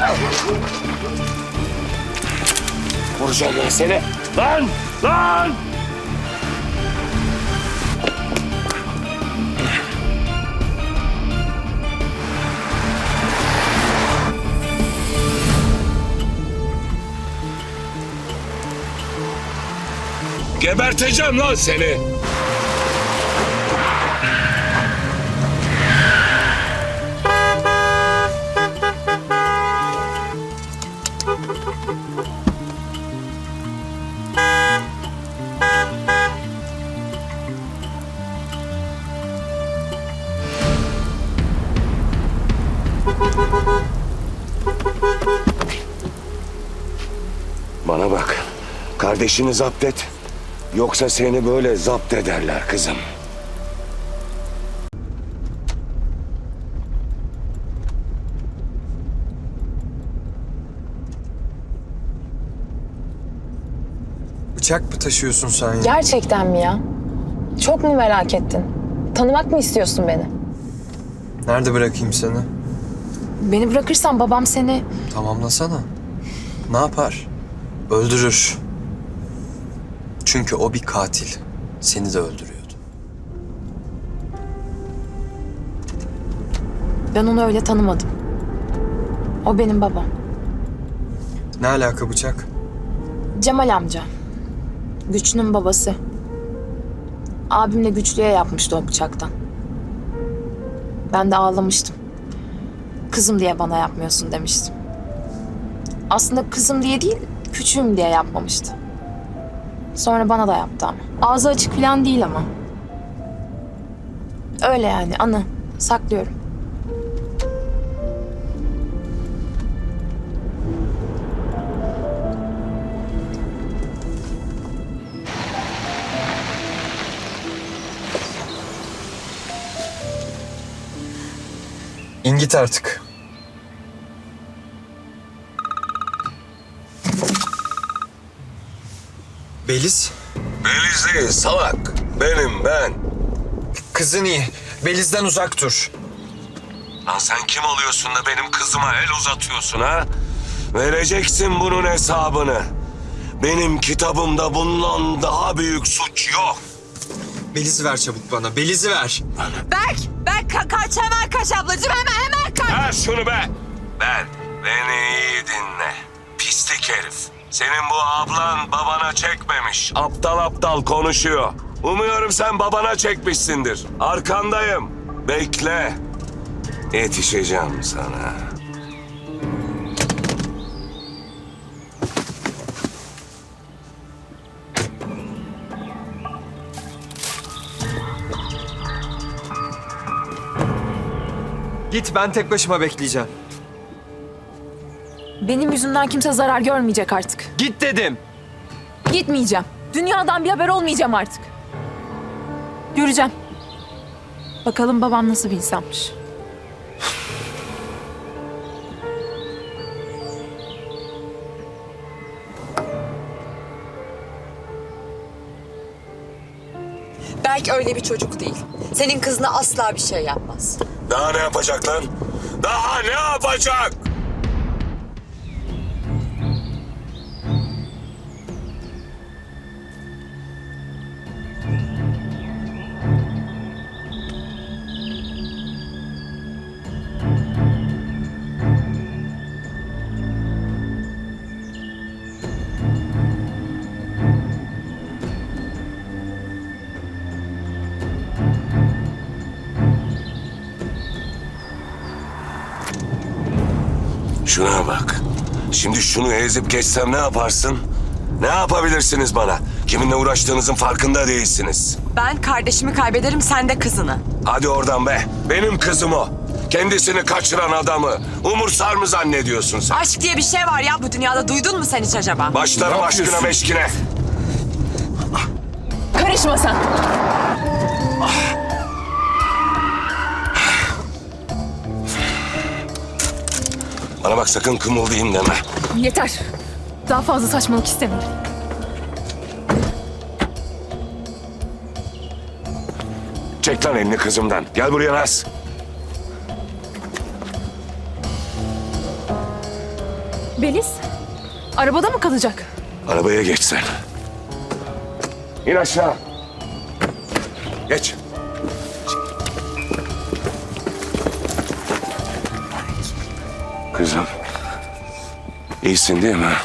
Vuracağım ben seni. Lan! Lan! Geberteceğim lan seni. Bana bak. Kardeşini zapt et. Yoksa seni böyle zapt ederler kızım. Bıçak mı taşıyorsun sen ya? Gerçekten mi ya? Çok mu merak ettin? Tanımak mı istiyorsun beni? Nerede bırakayım seni? Beni bırakırsan babam seni... Tamamlasana. Ne yapar? Öldürür. Çünkü o bir katil. Seni de öldürüyordu. Ben onu öyle tanımadım. O benim babam. Ne alaka bıçak? Cemal amca. Güçlü'nün babası. Abimle Güçlü'ye yapmıştı o bıçaktan. Ben de ağlamıştım. Kızım diye bana yapmıyorsun demiştim. Aslında kızım diye değil, küçüğüm diye yapmamıştı. Sonra bana da yaptı ama. Ağzı açık falan değil ama. Öyle yani, anı. Saklıyorum. İn git artık. Beliz? Beliz değil salak. Benim ben. Kızın iyi. Beliz'den uzak dur. Lan sen kim oluyorsun da benim kızıma el uzatıyorsun ha? Vereceksin bunun hesabını. Benim kitabımda bundan daha büyük suç yok. Beliz'i ver çabuk bana. Beliz'i ver. Berk kaç hemen kaç ablacığım hemen kaç. Ver şunu be. Beni iyi dinle. Pislik herif. Senin bu ablan babana çekmemiş. Aptal aptal konuşuyor. Umuyorum sen babana çekmişsindir. Arkandayım. Bekle. Yetişeceğim sana. Git, ben tek başıma bekleyeceğim. Benim yüzümden kimse zarar görmeyecek artık. Git dedim. Gitmeyeceğim. Dünyadan bir haber olmayacağım artık. Göreceğim. Bakalım babam nasıl bir insanmış. Berk öyle bir çocuk değil. Senin kızına asla bir şey yapmaz. Daha ne yapacak lan? Daha ne yapacak? Şuna bak. Şimdi şunu ezip geçsem ne yaparsın? Ne yapabilirsiniz bana? Kiminle uğraştığınızın farkında değilsiniz. Ben kardeşimi kaybederim, sen de kızını. Hadi oradan be. Benim kızım o. Kendisini kaçıran adamı umursar mı zannediyorsun sen? Aşk diye bir şey var ya bu dünyada, duydun mu sen hiç acaba? Başlarım Ne aşkına yapıyorsun? meşkine. Karışma sen. Bana bak sakın kımıldayım deme. Yeter. Daha fazla saçmalık istemiyorum. Çek lan elini kızımdan. Gel buraya Naz. Beliz, arabada mı kalacak? Arabaya geç sen. İn aşağı. Geç. Kızım. İyisin değil mi?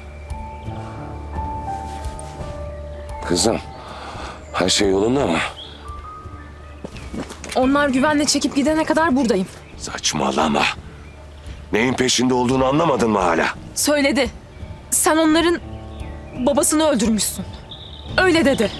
Kızım. Her şey yolunda mı? Onlar güvenle çekip gidene kadar buradayım. Saçmalama. Neyin peşinde olduğunu anlamadın mı hala? Söyledi. Sen onların babasını öldürmüşsün. Öyle dedi.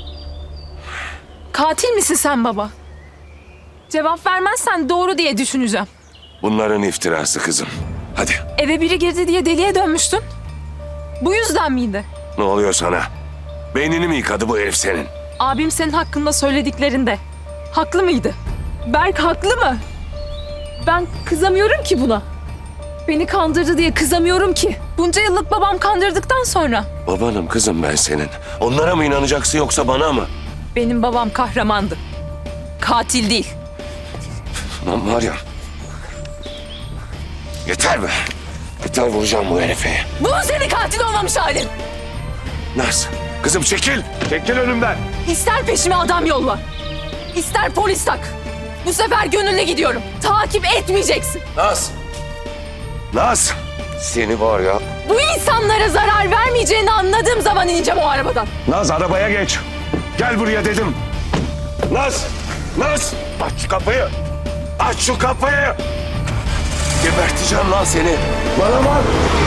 Katil misin sen baba? Cevap vermezsen doğru diye düşüneceğim. Bunların iftirası kızım. Hadi. Eve biri girdi diye deliye dönmüştün. Bu yüzden miydi? Ne oluyor sana? Beynini mi yıkadı bu herif senin? Abim senin hakkında söylediklerinde haklı mıydı? Berk haklı mı? Ben kızamıyorum ki buna. Beni kandırdı diye kızamıyorum ki. Bunca yıllık babam kandırdıktan sonra. Babanım kızım ben senin. Onlara mı inanacaksın yoksa bana mı? Benim babam kahramandı. Katil değil. Lan var ya. Yeter be. Yeter vuracağım bu herife. Bu senin katil olmamış halin. Naz. Kızım çekil. Çekil önümden. İster peşime adam yolla. İster polis tak. Bu sefer gönüllü gidiyorum. Takip etmeyeceksin. Naz. Naz. Seni var ya. Bu insanlara zarar vermeyeceğini anladığım zaman ineceğim o arabadan. Naz arabaya geç. Gel buraya dedim. Naz. Naz. Aç şu kapıyı. Aç şu kapıyı. Geberteceğim lan seni. Bana bak.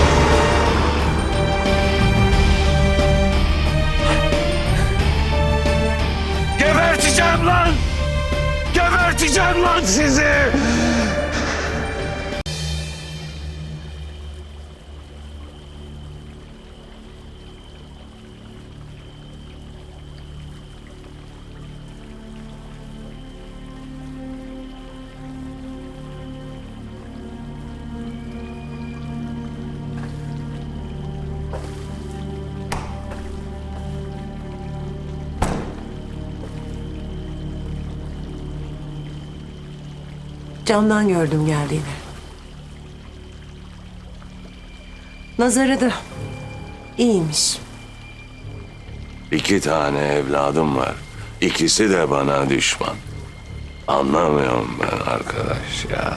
Geberteceğim lan. Geberteceğim lan sizi. Camdan gördüm geldiğini. Nazarı da iyiymiş. 2 tane evladım var. İkisi de bana düşman. Anlamıyorum ben arkadaş ya.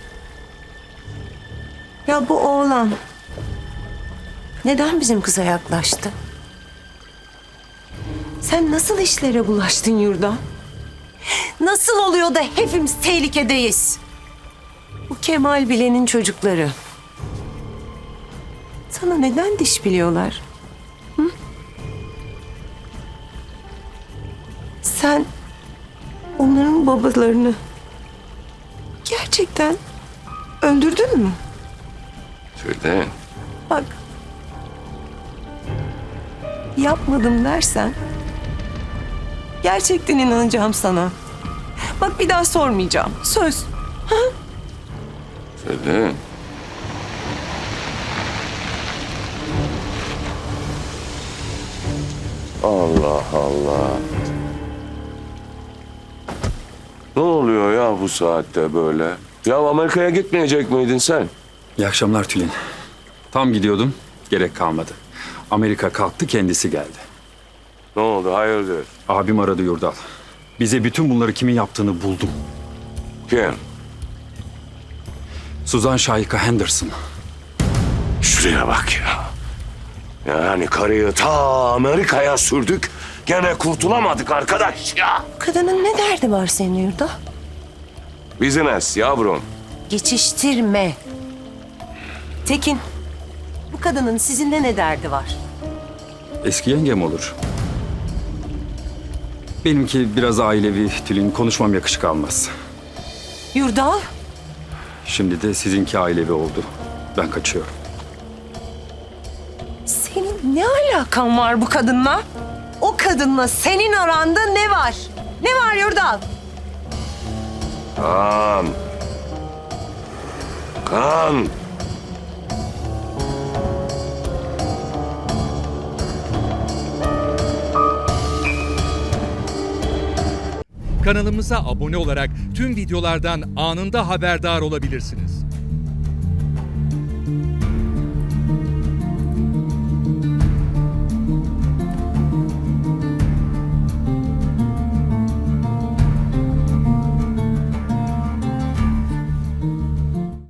Ya bu oğlan neden bizim kıza yaklaştı? Sen nasıl işlere bulaştın yurda? Nasıl oluyor da hepimiz tehlikedeyiz? Bu Kemal Bilen'in çocukları. Sana neden diş biliyorlar? Hı? Sen onların babalarını gerçekten öldürdün mü? Tülin. Bak. Yapmadım dersen gerçekten inanacağım sana. Bak bir daha sormayacağım. Söz. Tülin. Allah Allah. Ne oluyor ya bu saatte böyle? Ya Amerika'ya gitmeyecek miydin sen? İyi akşamlar Tülin. Tam gidiyordum, gerek kalmadı. Amerika kalktı, kendisi geldi. Ne oldu hayırdır? Abim aradı Yurdal. Bize bütün bunları kimin yaptığını buldum. Kim? Suzan Şahika Henderson. Şuraya bak ya. Yani karıyı ta Amerika'ya sürdük. Gene kurtulamadık arkadaş ya. Kadının ne derdi var senin yurda? Business yavrum. Geçiştirme. Tekin, bu kadının sizinle ne derdi var? Eski yengem olur. Benimki biraz ailevi Tülin, konuşmam yakışık almaz. Yurdal, Şimdi de sizinki ailevi oldu. Ben kaçıyorum. senin ne alakan var bu kadınla? O kadınla senin aranda ne var? Ne var Yurdal? Kan. Kan. Kanalımıza abone olarak tüm videolardan anında haberdar olabilirsiniz.